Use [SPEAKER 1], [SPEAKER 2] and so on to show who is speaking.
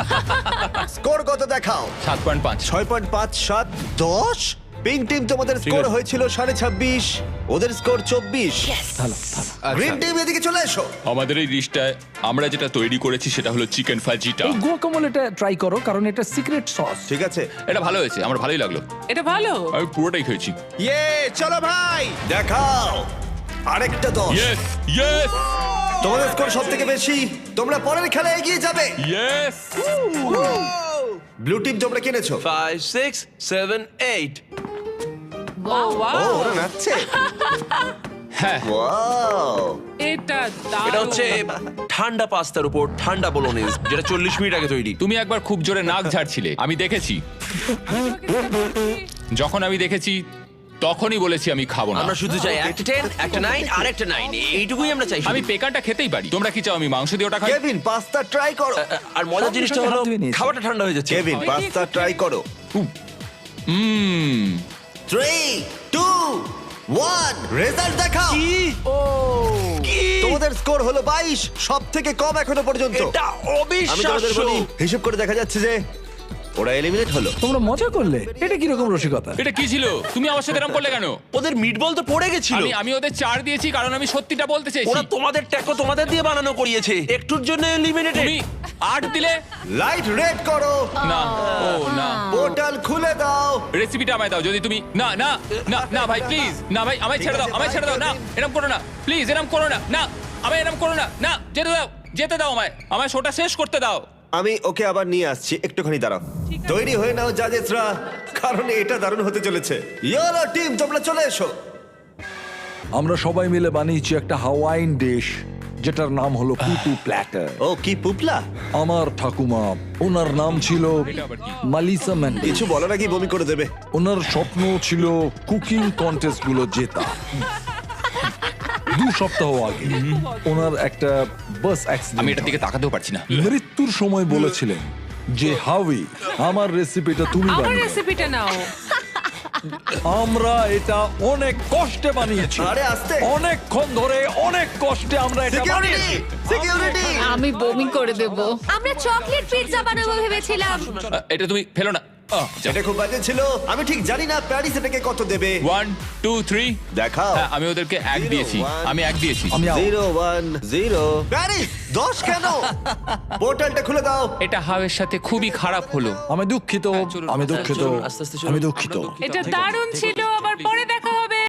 [SPEAKER 1] Score কত দেখাও?
[SPEAKER 2] 7.5।
[SPEAKER 1] 6.5 7 10। Pink team তোমাদের স্কোর
[SPEAKER 2] আছে।
[SPEAKER 1] হয়েছিল 26.5, ওদের স্কোর 24। গ্রিন
[SPEAKER 2] আচ্ছা,
[SPEAKER 1] টিম এদিকে চলে এসো।
[SPEAKER 2] আমাদের এই ডিশটায় আমরা যেটা তৈরি করেছি সেটা হলো চিকেন ফাজিটা।
[SPEAKER 3] এই গুয়াকামোলেটা ট্রাই করো কারণ এটা সিক্রেট সস।
[SPEAKER 1] ঠিক আছে,
[SPEAKER 2] এটা ভালো হয়েছে, আমার ভালোই লাগলো।
[SPEAKER 4] এটা ভালো।
[SPEAKER 2] আমি পুরোটাই খেয়েছি।
[SPEAKER 1] চলো ভাই দেখাও আরেকটা 10।
[SPEAKER 2] ইয়েস ইয়েস
[SPEAKER 1] তোমাদের স্কোর সব থেকে বেশি, তোমরা পরের খেলায় এগিয়ে যাবে।
[SPEAKER 2] ইয়েস।
[SPEAKER 1] ব্লু টিম তোমরা কিনেছো?
[SPEAKER 5] 5 6 7 8
[SPEAKER 4] ও
[SPEAKER 1] ও
[SPEAKER 4] ওয়াও,
[SPEAKER 1] ওরা নাচছে।
[SPEAKER 2] হ্যাঁ,
[SPEAKER 1] ওয়াও,
[SPEAKER 4] এটা
[SPEAKER 5] এটা
[SPEAKER 4] দারুণ।
[SPEAKER 5] হচ্ছে ঠান্ডা পাস্তার উপর ঠান্ডা বোলোনিজ, যেটা 40 মিনিট আগে তৈরি।
[SPEAKER 2] তুমি একবার খুব জোরে নাক ঝাড়ছিলে, আমি দেখেছি। যখন আমি দেখেছি তখনই বলেছি আমি খাবো না।
[SPEAKER 5] আমরা শুধু চাই একটা 10 একটা 9 আর একটা 9, এইটুকুই আমরা চাই।
[SPEAKER 2] আমি পেকানটা খেতেই পারি। তোমরা কি চাও আমি মাংস দিয়ে ওটা খাই?
[SPEAKER 1] কেভিন পাস্তা ট্রাই করো।
[SPEAKER 5] আর মজার জিনিসটা হলো
[SPEAKER 3] হাত ধুয়ে নিয়েছি।
[SPEAKER 5] খাবারটা ঠান্ডা হয়ে যাচ্ছে।
[SPEAKER 1] কেভিন পাস্তা ট্রাই করো।
[SPEAKER 2] হুম
[SPEAKER 1] 3 2 1 রেজাল্ট দেখাও। তোমাদের স্কোর হলো 22, সব থেকে কম এখনো পর্যন্ত।
[SPEAKER 5] এটা
[SPEAKER 1] আমি তোমাদের
[SPEAKER 5] অবিশ্বাস্য।
[SPEAKER 1] বলি, হিসেব করে দেখা যাচ্ছে যে ওরা এলিমিনেট হলো।
[SPEAKER 3] তোমরা মজা করলে, এটা কি রকম রসিকতা?
[SPEAKER 2] এটা কি ছিল? তুমি আমার সাথে এরকম করলে কেন?
[SPEAKER 5] ওদের মিটবল তো পড়ে গেছিল।
[SPEAKER 2] আমি ওদের 4 দিয়েছি কারণ আমি সত্যিটা বলতে চাইছি।
[SPEAKER 5] ওরা তোমাদের ট্যাকো তোমাদের দিয়ে বানানো করিয়েছে, একটুর জন্য এলিমিনেটেড।
[SPEAKER 2] তুমি 8 দিলে
[SPEAKER 1] লাইট রেড করো,
[SPEAKER 2] না। ও না,
[SPEAKER 1] পোর্টাল খুলে দাও।
[SPEAKER 2] রেসিপিটা আমায় দাও। যদি তুমি না না না না ভাই প্লিজ, না ভাই আমায় ছেড়ে দাও, আমায় ছেড়ে দাও। না এরকম করো না প্লিজ, এরকম করো না। না আমায় এরকম করো না। না যেতে দাও, যেতে দাও আমায় শোটা শেষ করতে দাও।
[SPEAKER 1] আমি ওকে আবার নিয়ে আসছি, একটুখানি দাঁড়াও। তৈরি হয়ে নাও জাজেসরা, কারণ এটা দারুণ হতে চলেছে। ইয়েলো টিম তোমরা চলে এসো।
[SPEAKER 3] আমরা সবাই মিলে বানিয়েছি একটা হাওয়াইন ডিশ যেটার নাম হলো পুটু প্ল্যাটার।
[SPEAKER 1] ও কি পুপলা,
[SPEAKER 3] আমার ঠাকুমা, ওনার নাম ছিল মালিসা ম্যান্ডি।
[SPEAKER 1] কিছু বলো নাকি বমি করে দেবে।
[SPEAKER 3] ওনার স্বপ্ন ছিল কুকিং কন্টেস্ট গুলো জেতা। 2 সপ্তাহ আগে ওনার একটা বাস
[SPEAKER 2] আমি
[SPEAKER 3] অ্যাক্সিডেন্ট,
[SPEAKER 2] এটার দিকে তাকাতেও পারছি না।
[SPEAKER 3] মৃত্যুর সময় বলেছিলেন যে হাউই আমার রেসিপিটা তুমি
[SPEAKER 4] আমার
[SPEAKER 3] বানিও।
[SPEAKER 4] রেসিপিটা নাও।
[SPEAKER 3] আমরা এটা অনেক কষ্টে বানিয়েছি,
[SPEAKER 1] আরে আস্তে।
[SPEAKER 3] অনেকক্ষণ ধরে অনেক কষ্টে আমরা এটা
[SPEAKER 1] সিকিউরিটি
[SPEAKER 3] বানিয়েছি।
[SPEAKER 1] সিকিউরিটি।
[SPEAKER 6] আমি বমি করে দেব। আমরা চকলেট পিৎজা বানাবো ভেবেছিলাম।
[SPEAKER 2] এটা তুমি ফেলো না।
[SPEAKER 1] এটা খুব বাজে ছিল, আমি ঠিক জানি না প্যারিস এটাকে কত দেবে।
[SPEAKER 2] 1 2 3
[SPEAKER 1] দেখাও।
[SPEAKER 2] হ্যাঁ, আমি ওদেরকে 1 দিয়েছি। আমি 1 দিয়েছি।
[SPEAKER 3] আমি out।
[SPEAKER 1] 0 1 0 প্যারিস 10 কেন? পোর্টালটা খুলে দাও।
[SPEAKER 2] এটা হাওয়ের সাথে খুবই খারাপ হলো।
[SPEAKER 3] আমি দুঃখিত,
[SPEAKER 2] চলুন,
[SPEAKER 3] আমি দুঃখিত,
[SPEAKER 5] চলুন, আস্তে আস্তে চলুন।
[SPEAKER 3] আমি দুঃখিত।
[SPEAKER 5] আমরা দুঃখিত।
[SPEAKER 4] এটা দারুণ ছিল, আবার পরে